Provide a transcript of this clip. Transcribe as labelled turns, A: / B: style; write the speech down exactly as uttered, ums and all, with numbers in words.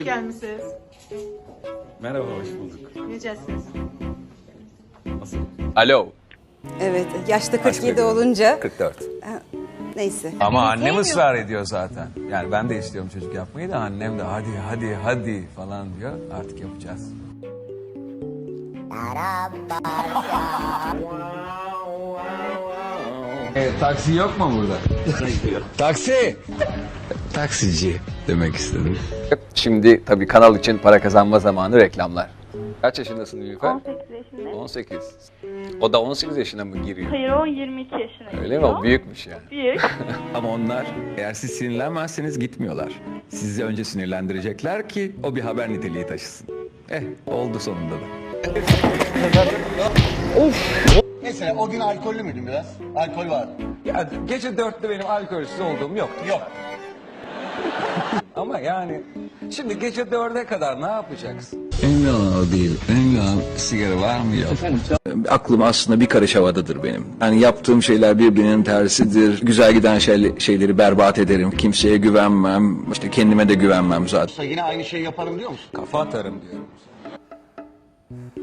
A: Gelmişsiniz.
B: Merhaba, hoş bulduk.
A: Necəsiniz?
B: Nasıl?
C: Alo.
D: Evet, yaşta kırk yedi
B: Kaç
D: olunca
C: kırk dört.
D: neyse.
E: Ama annem ısrar ediyor zaten. Yani ben de istiyorum çocuk yapmayı da annem de hadi hadi hadi falan diyor. Artık yapacağız. E, taksi yok mu burada? Taksi! Taksici demek istedim.
C: Şimdi tabii kanal için para kazanma zamanı, reklamlar. Kaç yaşındasın Nilüfer?
F: on sekiz yaşındayım.
C: on sekiz. O da on sekiz yaşına mı giriyor?
F: Hayır, o yirmi iki yaşına
C: Öyle mi?
F: giriyor.
C: O büyükmüş yani.
F: Büyük.
B: Ama onlar eğer siz sinirlenmezseniz gitmiyorlar. Sizi önce sinirlendirecekler ki o bir haber niteliği taşısın. Eh, oldu sonunda da.
G: Mesela o gün alkollü müydün biraz? Alkol vardı.
E: Ya gece dörtte benim alkolsüz olduğum yok.
G: Yok.
E: Ama yani şimdi gece dörde kadar ne yapacaksın? Önemli olan o değil. Önemli olan sigara var mı yok. Aklım aslında bir karış havadadır benim. Yani yaptığım şeyler birbirinin tersidir. Güzel giden şey, şeyleri berbat ederim. Kimseye güvenmem. İşte kendime de güvenmem zaten.
G: Yine aynı şeyi yaparım diyor musun?
E: Kafa atarım diyorum.